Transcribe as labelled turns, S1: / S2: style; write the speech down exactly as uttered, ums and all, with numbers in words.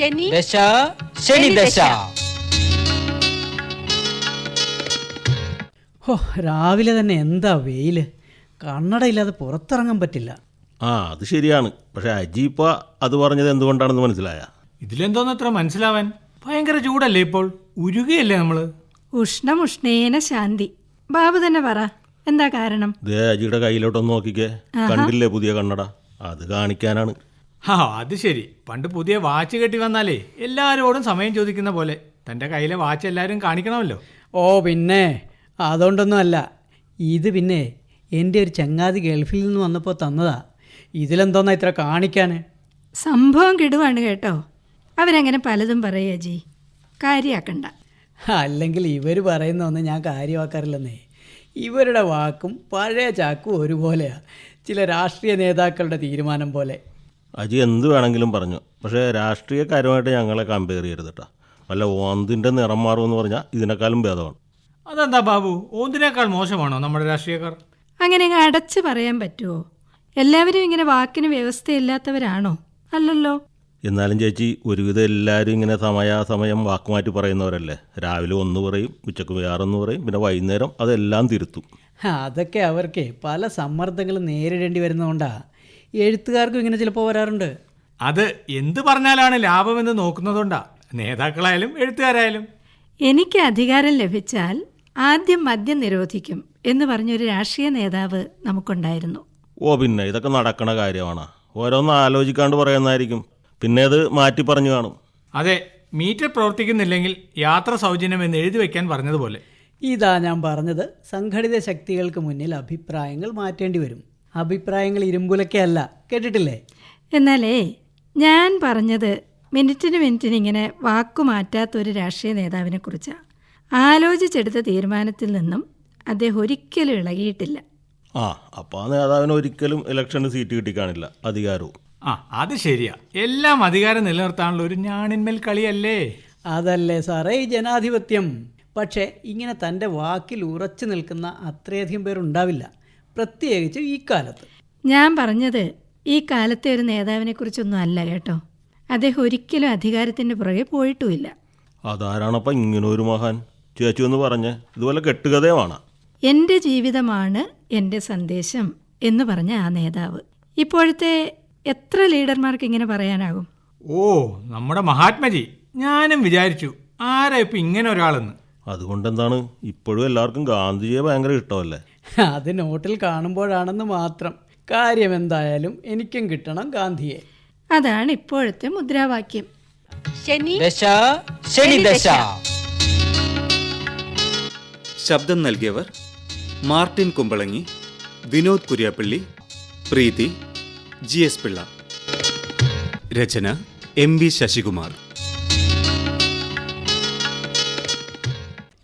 S1: ശനി
S2: ദശ ശനി ദശ.
S3: ഹോ, രാവിലെ തന്നെ എന്താ വെയില്, കണ്ണടയില്ലാതെ പുറത്തിറങ്ങാൻ പറ്റില്ല.
S4: ആ അത് ശരിയാണ്. പക്ഷെ അജി ഇപ്പൊ അത് പറഞ്ഞത് എന്തുകൊണ്ടാണെന്ന് മനസ്സിലായ?
S5: ഇതിലെന്തോന്നത്ര മനസ്സിലാവാൻ? ഭയങ്കര ചൂടല്ലേ ഇപ്പോൾ, ഉരുകയല്ലേ നമ്മള്.
S1: ഉഷ്ണം ഉഷ്ണേന ശാന്തി. ബാബു തന്നെ പറ, എന്താ കാരണം?
S4: ദേ അജിയുടെ കയ്യിലോട്ടൊന്ന് നോക്കിക്കേ, കണ്ടില്ലേ പുതിയ കണ്ണട? അത് കാണിക്കാനാണ്.
S5: ആ അത് ശരി. പണ്ട് പുതിയ വാച്ച് കെട്ടി വന്നാലേ എല്ലാവരോടും സമയം ചോദിക്കുന്ന പോലെ തൻ്റെ കയ്യിലെ വാച്ച് എല്ലാവരും കാണിക്കണമല്ലോ.
S3: ഓ പിന്നെ അതുകൊണ്ടൊന്നും അല്ല. ഇത് പിന്നെ എൻ്റെ ഒരു ചങ്ങാതി ഗൾഫിൽ നിന്ന് വന്നപ്പോൾ തന്നതാ. ഇതിലെന്തോന്നാ ഇത്ര കാണിക്കാൻ?
S1: സംഭവം കിടുവാണ് കേട്ടോ. അവരങ്ങനെ പലതും പറയുക ജി, കാര്യാക്കണ്ട.
S3: അല്ലെങ്കിൽ ഇവർ പറയുന്ന ഒന്നും ഞാൻ കാര്യമാക്കാറില്ലെന്നേ. ഇവരുടെ വാക്കും പഴയ ചാക്കും ഒരുപോലെയാണ്, ചില രാഷ്ട്രീയ നേതാക്കളുടെ തീരുമാനം പോലെ.
S4: അജി എന്ത് വേണമെങ്കിലും പറഞ്ഞു, പക്ഷേ രാഷ്ട്രീയക്കാരുമായിട്ട് ഞങ്ങളെ കമ്പയർ ചെയ്യരുത് കേട്ടോ. വല്ല ഓന്തിൻ്റെ നിറം മാറുമെന്ന് പറഞ്ഞാൽ ഇതിനേക്കാളും ഭേദമാണ്.
S5: അതെന്താ ബാബു, ഓന്തിനേക്കാൾ മോശമാണോ നമ്മുടെ രാഷ്ട്രീയക്കാർ?
S1: അങ്ങനെ അടച്ചു പറയാൻ പറ്റുമോ? എല്ലാവരും ഇങ്ങനെ വാക്കിന് വ്യവസ്ഥയില്ലാത്തവരാണോ? അല്ലല്ലോ.
S4: എന്നാലും ചേച്ചി, ഒരുവിധം എല്ലാവരും ഇങ്ങനെ സമയാസമയം വാക്കുമാറ്റി പറയുന്നവരല്ലേ. രാവിലെ ഒന്ന് പറയും, ഉച്ചക്ക് വേറൊന്ന് പറയും, പിന്നെ വൈകുന്നേരം അതെല്ലാം തിരുത്തും.
S3: അതൊക്കെ അവർക്ക് പല സമ്മർദ്ദങ്ങളും നേരിടേണ്ടി വരുന്നതുകൊണ്ടാണ്. എഴുത്തുകാർക്കും ഇങ്ങനെ ചിലപ്പോൾ വരാറുണ്ട്.
S5: അത് എന്ത് പറഞ്ഞാലാണ് ലാഭമെന്ന് നോക്കുന്നതുകൊണ്ടാ, നേതാക്കളായാലും എഴുത്തുകാരായാലും.
S1: എനിക്ക് അധികാരം ലഭിച്ചാൽ ആദ്യം മദ്യം നിരോധിക്കും എന്ന് പറഞ്ഞൊരു രാഷ്ട്രീയ നേതാവ് നമുക്കുണ്ടായിരുന്നു.
S4: ഓ പിന്നെ ഇതൊക്കെ നടക്കണ കാര്യമാണ്. ഓരോന്ന് ആലോചിക്കാണ്ട് പറയുന്നതായിരിക്കും, പിന്നെ അത് മാറ്റി പറഞ്ഞു കാണും.
S5: അതെ, മീറ്റർ പ്രവർത്തിക്കുന്നില്ലെങ്കിൽ യാത്ര സൗജന്യം എന്ന് എഴുതി വയ്ക്കാൻ പറഞ്ഞതുപോലെ.
S3: ഇതാ ഞാൻ പറഞ്ഞത്, സംഘടിത ശക്തികൾക്ക് മുന്നിൽ അഭിപ്രായങ്ങൾ മാറ്റേണ്ടി വരും. അഭിപ്രായങ്ങൾ ഇരുമ്പുലക്കല്ല, കേട്ടിട്ടില്ലേ?
S1: എന്നാലേ ഞാൻ പറഞ്ഞത് മിനിറ്റിന് മിനിറ്റിന് ഇങ്ങനെ വാക്കുമാറ്റാത്തൊരു രാഷ്ട്രീയ നേതാവിനെ കുറിച്ചാണ്. ആലോചിച്ചെടുത്ത തീരുമാനത്തിൽ നിന്നും അദ്ദേഹം ഒരിക്കലും ഇളകിയിട്ടില്ല.
S4: ആ അപ്പോൾ ആ നേതാവിന് ഒരിക്കലും ഇലക്ഷന് സീറ്റ് കിട്ടിക്കാണില്ല, അധികാരവും.
S5: ആ അത് ശരിയാ. എല്ലാം അധികാരം നിലനിർത്താനുള്ള ഒരു ഞാണിന്മേൽ കളിയല്ലേ.
S3: അതല്ലേ സാറേ ഈ ജനാധിപത്യം. പക്ഷേ ഇങ്ങനെ തൻ്റെ വാക്കിൽ ഉറച്ചു നിൽക്കുന്ന അത്രയധികം പേരുണ്ടാവില്ല, പ്രത്യേകിച്ച് ഈ കാലത്ത്.
S1: ഞാൻ പറഞ്ഞത് ഈ കാലത്തെ ഒരു നേതാവിനെ കുറിച്ചൊന്നും അല്ല കേട്ടോ. അദ്ദേഹം ഒരിക്കലും അധികാരത്തിൻ്റെ പുറകെ പോയിട്ടുമില്ല.
S4: അതാരാണപ്പം ഇങ്ങനെ ഒരു മഹാൻ? ചേച്ചി ഒന്ന് പറഞ്ഞ്, ഇതുപോലെ കെട്ടുകഥയുമാണ്.
S1: എൻ്റെ ജീവിതമാണ് എൻ്റെ സന്ദേശം എന്ന് പറഞ്ഞ ആ നേതാവ്. ഇപ്പോഴത്തെ എത്ര ലീഡർമാർക്ക് ഇങ്ങനെ പറയാനാകും?
S5: ഓ നമ്മുടെ മഹാത്മജി. ഞാനും വിചാരിച്ചു ആരാ ഇപ്പം ഇങ്ങനെ ഒരാളെന്ന്.
S4: അതുകൊണ്ടെന്താണ്, ഇപ്പോഴും എല്ലാവർക്കും ഗാന്ധിജിയെ ഭയങ്കര ഇഷ്ടമല്ലേ?
S3: അത് നോട്ടിൽ കാണുമ്പോഴാണെന്ന് മാത്രം. കാര്യം എന്തായാലും എനിക്കും കിട്ടണം ഗാന്ധിയെ.
S1: അതാണ് ഇപ്പോഴത്തെ മുദ്രാവാക്യം.
S2: ശനി ദശ ശനി ദശ.
S6: ശബ്ദം നൽകിയവർ Martin Kumbalangi, Vinod Kuriappally, Preethi, G S Pillai. രചന എം വി ശശികുമാർ.